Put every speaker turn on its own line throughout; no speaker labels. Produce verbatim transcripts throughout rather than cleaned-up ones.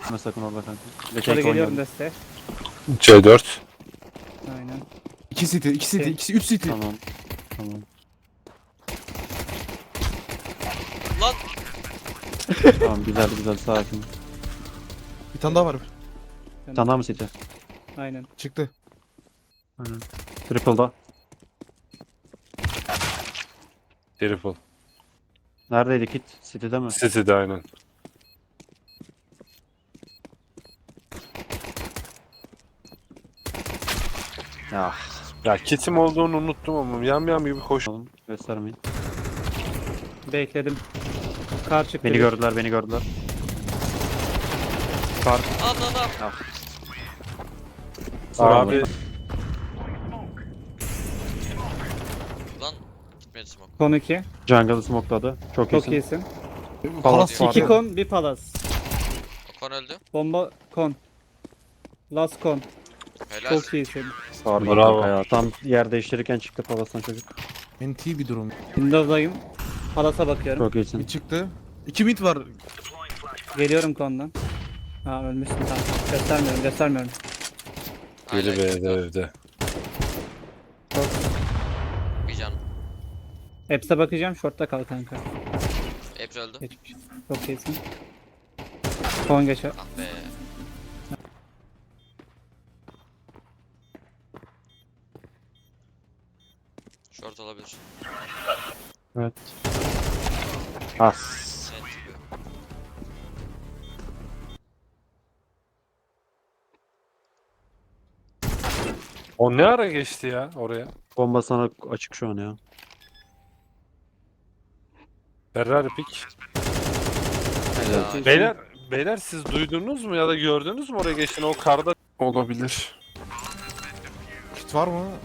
Ama sakın orada kanka.
Yukarı geliyorum desteğe.
C dört.
Aynen.
İki city, iki city,
Şey-
ikisi üç city.
Tamam. Tamam.
Lan
Tamam güzel güzel sakin.
Bir tane daha var.
Bir tane daha mı city?
Aynen.
Çıktı.
Aynen. Triple'da.
Triple.
Neredeydi kit? City'de mi?
City'de aynen.
Ya.
Ya kitim olduğunu unuttum ama yam yam gibi koş.
Oğlum göstermeyin.
Bekledim. Kar çıktı.
Beni
bir.
gördüler beni gördüler. Kar.
anladım.
Abi
Lan gitmedi smoke.
Kon iki.
Jungle'ı smokeladı. Çok,
Çok
iyisin.
iyisin.
Palas
var.
var.
İki kon, bir palas.
Okon öldü.
Bomba kon. Last kon.
Helal.
Çok iyisin.
Pardon
Bravo.
kanka ya. Tam yer değiştirirken çıktı palastan çocuk.
N T bir durum.
Windows'dayım. Palas'a bakıyorum.
Çok iyisin.
Bir çıktı. İki mid var.
Geliyorum kondan. Ha ölmüşsün tamam. Göstermiyorum göstermiyorum.
biri
Hala
B'de
gitti.
evde.
Bir can.
Heps'e bakacağım. Short'ta kal kanka.
Hepsi öldü.
Geçmiş. Çok iyisin. Kon geçer.
Ah be. Short olabilir.
Evet. As.
Sen çıkıyor.
O ne ara geçti ya oraya?
Bomba sana açık şu an ya.
Ferrari pick.
Helal.
Beyler, beyler siz duydunuz mu ya da gördünüz mü oraya geçtiğini? O karda olabilir.
Kit var mı?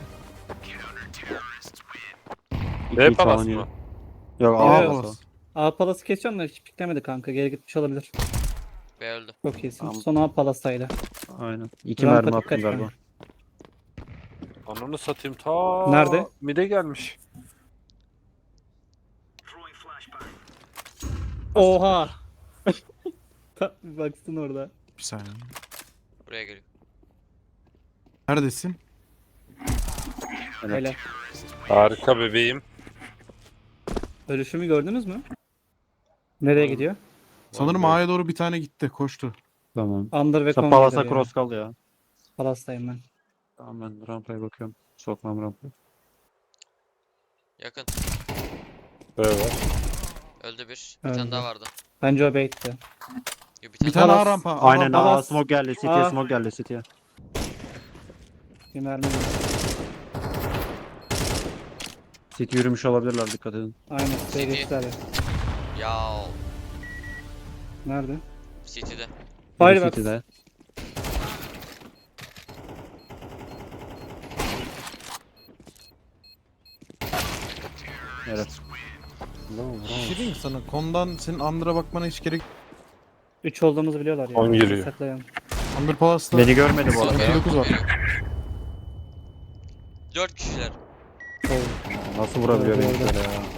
B
İki
palas
falan
mı?
yedi. Yok
Aa,
A
Evet.
palası.
A Palas'ı kesiyorum da hiç piklemedi kanka. Geri gitmiş olabilir.
B öldü.
Çok iyisin.
Tamam.
Son A Palas'taydı.
Aynen. İki
Rampa
mermi
dikkat
attım galiba.
et.
Ananı satayım ta.
Nerede?
Mide gelmiş.
Oha! Bir baksın orada.
Bir saniye.
Buraya geliyor.
Neredesin?
Evet.
Hele.
Harika bebeğim.
Ölüşümü gördünüz mü? Nereye gidiyor?
Sanırım A'ya doğru bir tane gitti. Koştu.
Tamam.
Under ve
Sen
kon
palasa
geliyor
cross kal ya.
ya. Palas'tayım ben.
Tamam ben rampaya bakıyorum. Sokmam rampaya.
Yakın.
B var.
Öldü bir. Bir
Öldü.
tane daha vardı.
Bence o bait'ti.
Yo, bir
Bir
tane,
tane
Palas.
A rampa. A
Aynen
rampa.
A smoke geldi. City'ye
Aa.
smoke geldi City'ye.
Bir mermi.
City yürümüş olabilirler dikkat edin.
Aynen.
C D.
Seviyesizler ya.
Ya
Nerede?
City'de.
Biri
Firebox.
City'de. Evet. Bravo,
Bir
bravo.
şey diyeyim mi sana? Kondan senin Under'a bakmana hiç gerek.
üç olduğumuzu biliyorlar ya.
On giriyor.
Saklayalım.
Under Palas'ta.
Beni görmedi bu arada.
Sıkıntı dokuz var.
Dört kişiler.
Oo.
Nasıl vurabiliyor
Orada,
beni
orada.
böyle ya?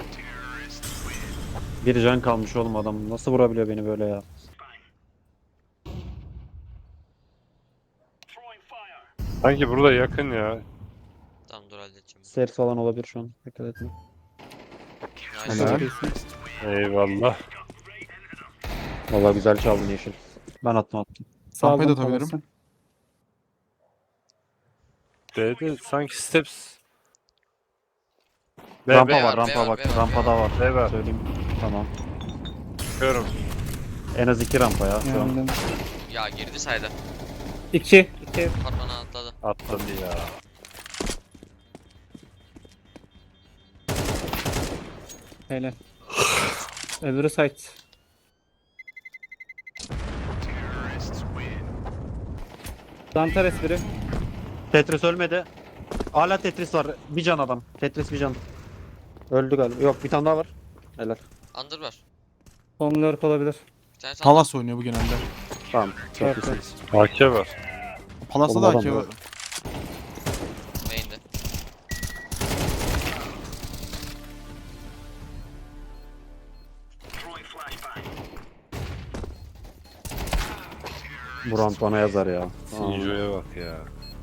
Bir can kalmış oğlum adam. Nasıl vurabiliyor beni böyle ya?
Sanki burada yakın ya.
Tamam dur halledeceğim.
Stairs falan olabilir şu an. Dikkat etme.
Nice.
Helal.
Çok iyisin.
Eyvallah.
Vallahi güzel çaldın yeşil. Ben attım attım.
Sağ
Rampayı da
olun,
atabilirim.
Palas'ı.
B'de sanki steps. B,
rampa
B
var,
var, B
rampa
var,
bak.
B var,
Rampada var.
B var.
Söyleyeyim. Tamam.
Bakıyorum.
En az iki rampa ya şu an.
Yandım.
Ya girdi sayda.
İki. İki.
Patmana atladı.
Atladı ya.
Hele. Öbürü site. Dantares biri.
Tetris ölmedi. Hala Tetris var. Bir can adam. Tetris bir can. Öldü galiba. Yok bir tane daha var. Helal.
Under var.
Son lurk olabilir.
Bir tane sağ.
Palas oynuyor bu genelde.
Tamam. Çok
Evet,
iyisiniz.
A K var.
Palas'ta da
Oğlum
A K
adam
var.
Main'de.
Buran bana yazar ya.
Sinjo'ya bak ya.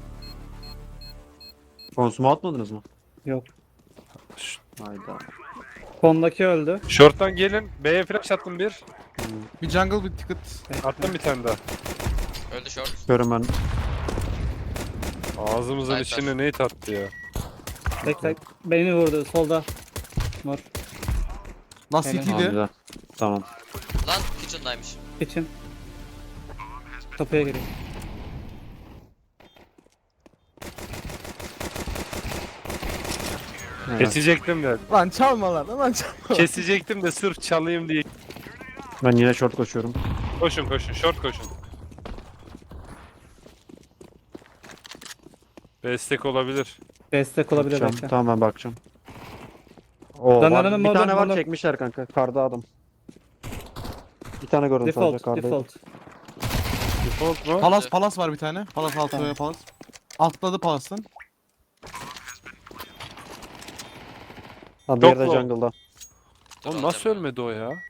Konsumu atmadınız mı?
Yok.
Hayda.
Kondaki öldü.
Short'tan gelin. B'ye flash attım bir.
Bir jungle bir ticket.
Attım bir tane daha.
Öldü short.
Görüm ben.
Ağzımızın
Hayır,
içine neyi tattı ya.
Bekle. Beni vurdu solda. Mor.
Last
Helal.
Tamam
City'ydi.
güzel. Tamam.
Lan kitchen'daymış.
için. Kapıya gireyim.
Evet.
Kesecektim de.
Lan çalma lan lan çalma.
Kesecektim de sırf çalayım diye.
Ben yine short koşuyorum.
Koşun koşun. Short koşun. Destek olabilir.
Destek olabilir
Bakacağım.
belki.
Tamam ben bakacağım. Oo,
Lan
var.
aranın
Bir
modu-
tane var
modu-
çekmişler kanka. Karda adam. Bir tane gördüm sadece
Default,
karda.
default.
Default mu?
Palas palas var bir tane. Palas altı
Tamam.
veya palas. Altladı palasın.
Ha, diğeri de
Yok mu?
jungle'da.
Dur,
Oğlum nasıl
alacağım
ölmedi o ya?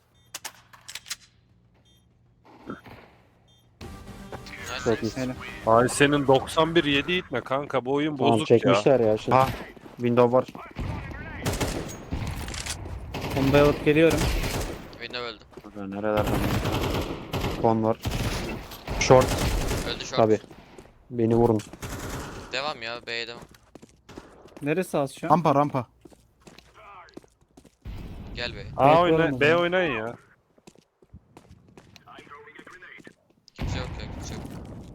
ben.
Çok
Nice.
iyi.
Helal.
Ay senin doksan bir yedi itme kanka. Bu oyun
Tamam
bozuk ya.
çekmişler ya. Şimdi.
Ha.
Window var.
Bombayı alıp geliyorum.
Window öldü.
Kanka nerelerden? Kon var. Short
Öldü short.
tabi. Beni vurun.
Devam ya B'ye devam.
Neresi az şu an?
Rampa rampa.
Gel B'ye.
A
Evet,
oyna,
oğlum
B
o
oynayın ya.
Kimse yok ya kimse yok.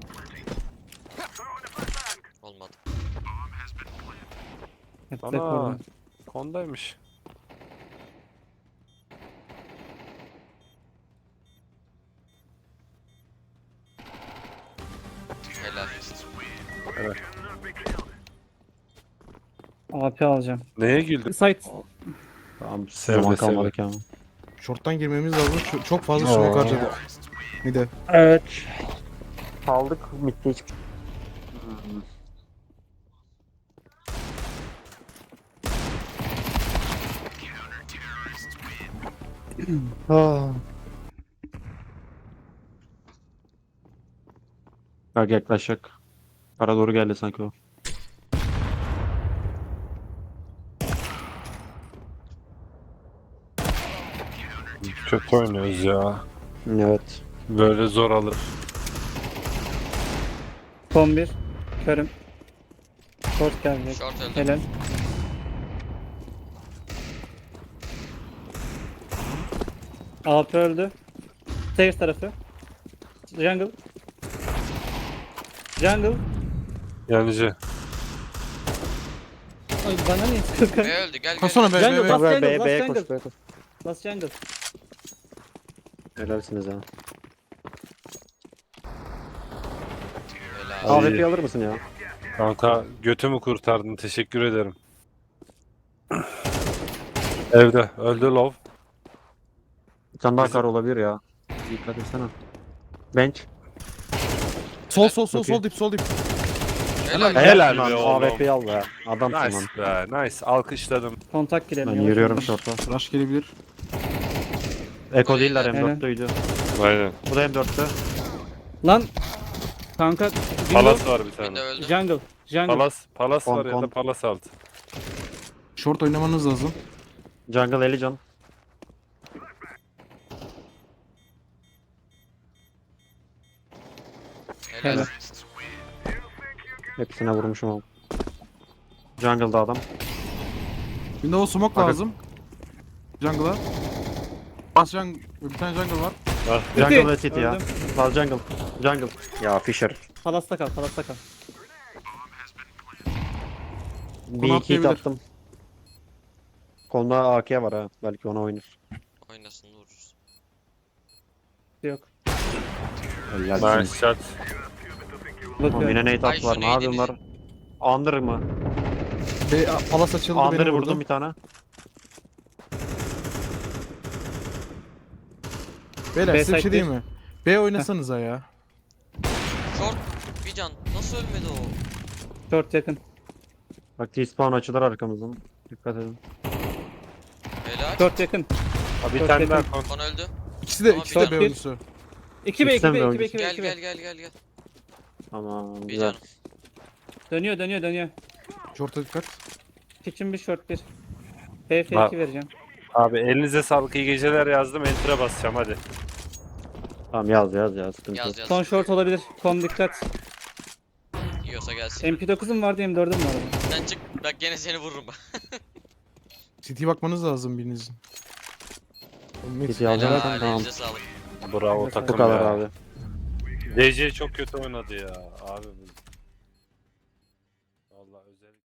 Olmadı.
Hep
Ana.
tek vurdum.
Kondaymış.
Helal.
A P alacağım.
Neye güldün?
Site.
Tamam
Sevde,
zaman
sevde.
kalmadı ki ama.
Short'tan girmemiz lazım. Çok, çok fazla smoke harcadık. Bir de.
Evet. Kaldık midde hiç. Ah. Bak yaklaşacak. Para doğru geldi sanki o.
Kötü oynuyoruz ya.
Evet.
Böyle zor alır.
Son bir. Körüm. Short gelecek.
Short öldü.
Helal. A P öldü. Stairs tarafı. Jungle. Jungle.
Yanıcı.
Ay bana niye sıkıyorsun?
B öldü gel gel.
Koşsana be
Jungle,
be be.
Last
B'ye
jungle,
B'ye
last
B'ye
jungle.
koş B'ye koş.
Last jungle.
Helalsiniz ha.
Helal.
Ay.
A W P alır mısın ya?
Kanka götümü kurtardın. Teşekkür ederim. Evde. Öldü lov.
Bir tane daha
Bizim-
kar olabilir ya. Dikkat etsene. Bench.
Sol sol sol
Çok iyi.
sol dip sol dip.
Helal.
Helal
lan,
be oğlum.
A W P'yi al be. Adamsın lan.
Nice be. Nice. Alkışladım.
Kontak girelim.
Ben
yavaş
yürüyorum
yavaş.
short'a.
Rush gelebilir.
Eko değiller
Aynen.
M dört'teydi.
Aynen.
Bu da M dört'tü.
Lan. Kanka.
Palas var bir tane.
Window öldü.
Jungle. Jungle.
Palas. Palas
Kon,
var ya
kon.
da palas altı.
Short oynamanız lazım.
Jungle elli can.
Helal.
Helal.
Hepsine vurmuşum ama. Jungle'da adam.
Windows smoke
Bakın.
lazım. Jungle'a. Bas jungle. Bir tane jungle var.
Jungle ve City ya.
Öldüm.
Al jungle. Jungle. Ya Fisher.
Palasta kal. Palasta kal.
Bir iki hit
atlayabilir.
attım. Kolunda A K var ha. Belki ona oynar.
Oynasın vururuz.
Yok.
Helal.
Nice shot.
Tamam,
Bakıyorum.
yine nade
Ay,
at var.
şu
Ne
neydi
yapıyorlar? Under mı?
Be palas açıldı
Under'ı
beni
vurdum
vurdu.
bir tane.
Beyler
B
size bir şey
side
diyeyim mi? B oynasanıza ya.
Short. Bir can. Nasıl ölmedi o?
Short yakın.
Bak T-spawn açılır arkamızdan. Dikkat edin.
Helal.
Short yakın.
Bir
Çok
tane
yakın.
daha kon.
Kon öldü.
İkisi de
Ama
ikisi de
bir-
B oyuncusu.
iki B iki
Gitsem
B
mi
iki B iki B
Gel
iki
gel
B.
gel gel gel.
Tamam
Bir
güzel.
canım.
Dönüyor dönüyor dönüyor.
Short'a dikkat.
Kitchen bir short bir. F F
Bak.
iki vereceğim.
Abi elinize sağlık, iyi geceler yazdım. Enter'a basacağım hadi.
Tamam yaz yaz yaz. Sıkıntı yok.
Yaz yaz.
Son short olabilir. Kom dikkat.
Yiyorsa gelsin.
M P dokuzum vardı M dördüm vardı.
Sen çık. Bak gene seni vururum bak.
City'ye bakmanız lazım birinizin. Mid.
City alacağım
Helal,
tamam.
elinize sağlık.
Bravo
Bu
takım
Bu kadar
ya.
abi.
D C çok kötü oynadı ya. Abi bu